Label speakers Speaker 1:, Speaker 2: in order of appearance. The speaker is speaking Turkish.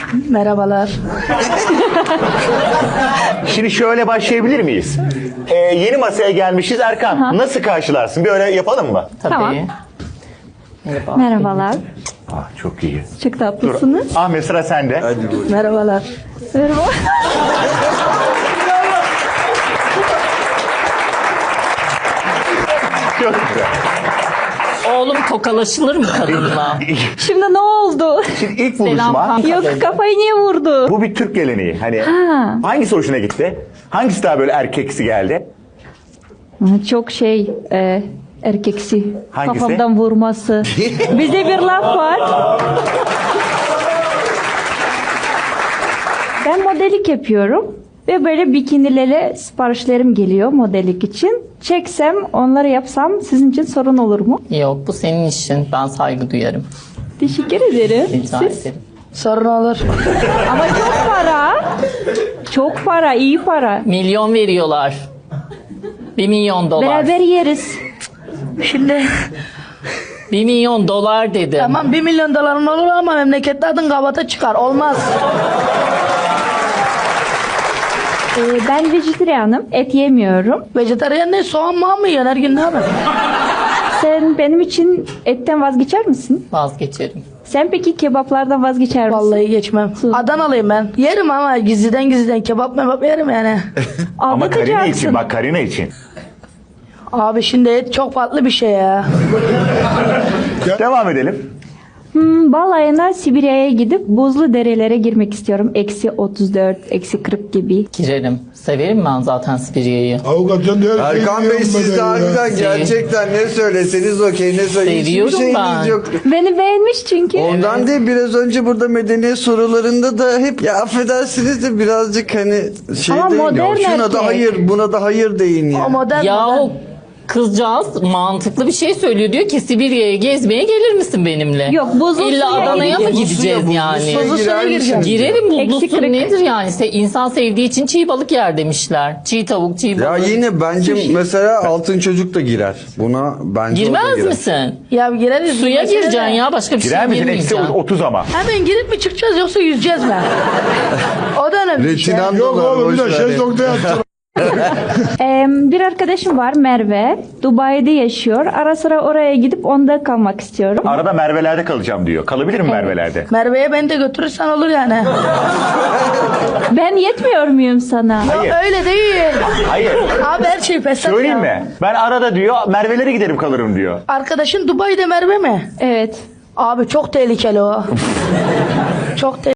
Speaker 1: Merhabalar.
Speaker 2: Şimdi şöyle başlayabilir miyiz? Yeni masaya gelmişiz. Erkan, nasıl karşılarsın? Bir öyle yapalım mı?
Speaker 3: Tabii.
Speaker 4: Tamam.
Speaker 3: Merhaba.
Speaker 4: Merhabalar.
Speaker 2: Çok iyi.
Speaker 4: Çok tatlısınız.
Speaker 2: Ahmet, sıra sende.
Speaker 1: Merhabalar.
Speaker 4: Merhaba.
Speaker 2: Çok güzel.
Speaker 3: Oğlum tokalaşılır mı kadınla?
Speaker 4: Şimdi ne oldu?
Speaker 2: Şimdi ilk
Speaker 3: Selam
Speaker 2: buluşma.
Speaker 3: kanka.
Speaker 4: Yok, kafayı niye vurdu?
Speaker 2: Bu bir Türk geleneği. Hani
Speaker 4: Ha.
Speaker 2: hangisi hoşuna gitti? Hangisi daha böyle erkeksi geldi?
Speaker 4: Çok erkeksi.
Speaker 2: Hangisi?
Speaker 4: Kafamdan vurması. Bizde bir laf var. Ben modelik yapıyorum. Ve böyle bikinilere siparişlerim geliyor modelik için. Çeksem, onları yapsam sizin için sorun olur mu?
Speaker 3: Yok, bu senin işin. Ben saygı duyarım.
Speaker 4: Teşekkür ederim.
Speaker 3: Rica
Speaker 4: Siz?
Speaker 3: ederim.
Speaker 1: Sorun olur.
Speaker 4: Ama çok para. Çok para, iyi para.
Speaker 3: Milyon veriyorlar. 1 milyon dolar.
Speaker 4: Beraber yeriz.
Speaker 1: Şimdi
Speaker 3: 1 milyon dolar dedim.
Speaker 1: tamam 1 milyon doların olur ama memlekette adın kabata çıkar. Olmaz.
Speaker 4: Ben vejetaryenim. Et yemiyorum.
Speaker 1: Vejetaryen ne? Soğan mı yiyorsun? Her gün ne yapıyorsun?
Speaker 4: Sen benim için etten vazgeçer misin?
Speaker 3: Vazgeçerim.
Speaker 4: Sen peki kebaplardan vazgeçer misin?
Speaker 1: Vallahi geçmem. Adanalıyım ben. Yerim ama gizliden kebap yerim yani.
Speaker 2: Ama Karina için,
Speaker 4: Aldatacaksın.
Speaker 2: bak Karina için.
Speaker 1: Abi şimdi et çok farklı bir şey ya.
Speaker 2: Devam edelim.
Speaker 4: Balayına Sibirya'ya gidip buzlu derelere girmek istiyorum. -34, -40 gibi.
Speaker 3: Girerim. Severim ben zaten Sibirya'yı.
Speaker 5: Avukatın her şeyi
Speaker 6: Erkan Bey
Speaker 5: biliyorum
Speaker 6: siz de
Speaker 5: ben ya.
Speaker 6: harbiden gerçekten ne söyleseniz okey, ne söyleseniz hiçbir
Speaker 3: Seviyorum
Speaker 6: şeyiniz
Speaker 3: ben.
Speaker 6: yok.
Speaker 4: Beni beğenmiş çünkü.
Speaker 6: Ondan değil, biraz önce burada medeniyet sorularında da hep ya affedersiniz de birazcık hani şey
Speaker 4: Ama
Speaker 6: deyin ya,
Speaker 4: modern
Speaker 6: şuna
Speaker 4: erkek.
Speaker 6: da hayır buna da hayır deyin ya.
Speaker 1: O modern
Speaker 3: Yahu
Speaker 1: modern.
Speaker 3: kızcağız mantıklı bir şey söylüyor. Diyor ki Sibirya'ya gezmeye gelir misin benimle?
Speaker 4: Yok, buzlu
Speaker 3: İlla
Speaker 4: suya
Speaker 3: Adana'ya mı
Speaker 6: Buzlu suya,
Speaker 3: gideceğiz
Speaker 6: buzlu
Speaker 3: yani?
Speaker 6: suya
Speaker 1: Buzlu suya
Speaker 6: girer
Speaker 1: gireceğim.
Speaker 6: misiniz?
Speaker 3: Girerim, buzlu
Speaker 4: Eksi
Speaker 3: su
Speaker 4: kırk.
Speaker 3: nedir yani? İnsan sevdiği için çiğ balık yer demişler. Çiğ tavuk, çiğ
Speaker 6: Ya
Speaker 3: balık.
Speaker 6: yine bence mesela altın çocuk da girer. Buna bence o da
Speaker 3: Girmez
Speaker 6: girer.
Speaker 3: misin?
Speaker 1: Ya gireriz.
Speaker 3: Suya
Speaker 1: Mesela-
Speaker 3: gireceksin ya, başka bir
Speaker 2: Girer
Speaker 3: şey
Speaker 2: misin?
Speaker 3: girmeyeceksin.
Speaker 2: -30 ama.
Speaker 1: Hemen girip mi çıkacağız yoksa yüzeceğiz mi? O da önemli bir şey.
Speaker 6: Retinan
Speaker 5: Yok
Speaker 6: dolar,
Speaker 5: oğlum bir
Speaker 6: boş
Speaker 5: de
Speaker 6: ver ya.
Speaker 5: şezlongda yatsın.
Speaker 4: Bir arkadaşım var, Merve. Dubai'de yaşıyor. Ara sıra oraya gidip onda kalmak istiyorum.
Speaker 2: Arada Merve'lerde kalacağım diyor. Kalabilir mi Merve'lerde?
Speaker 1: Merve'ye beni de götürürsen olur yani.
Speaker 4: Ben yetmiyor muyum sana?
Speaker 2: Hayır.
Speaker 1: Öyle değil.
Speaker 2: Hayır.
Speaker 1: Abi her şey fesat
Speaker 2: Söyleyeyim
Speaker 1: ya.
Speaker 2: mi? Ben arada diyor Merve'lere giderim kalırım diyor.
Speaker 1: Arkadaşın Dubai'de Merve mi?
Speaker 4: Evet.
Speaker 1: Abi çok tehlikeli o. Çok tehlikeli.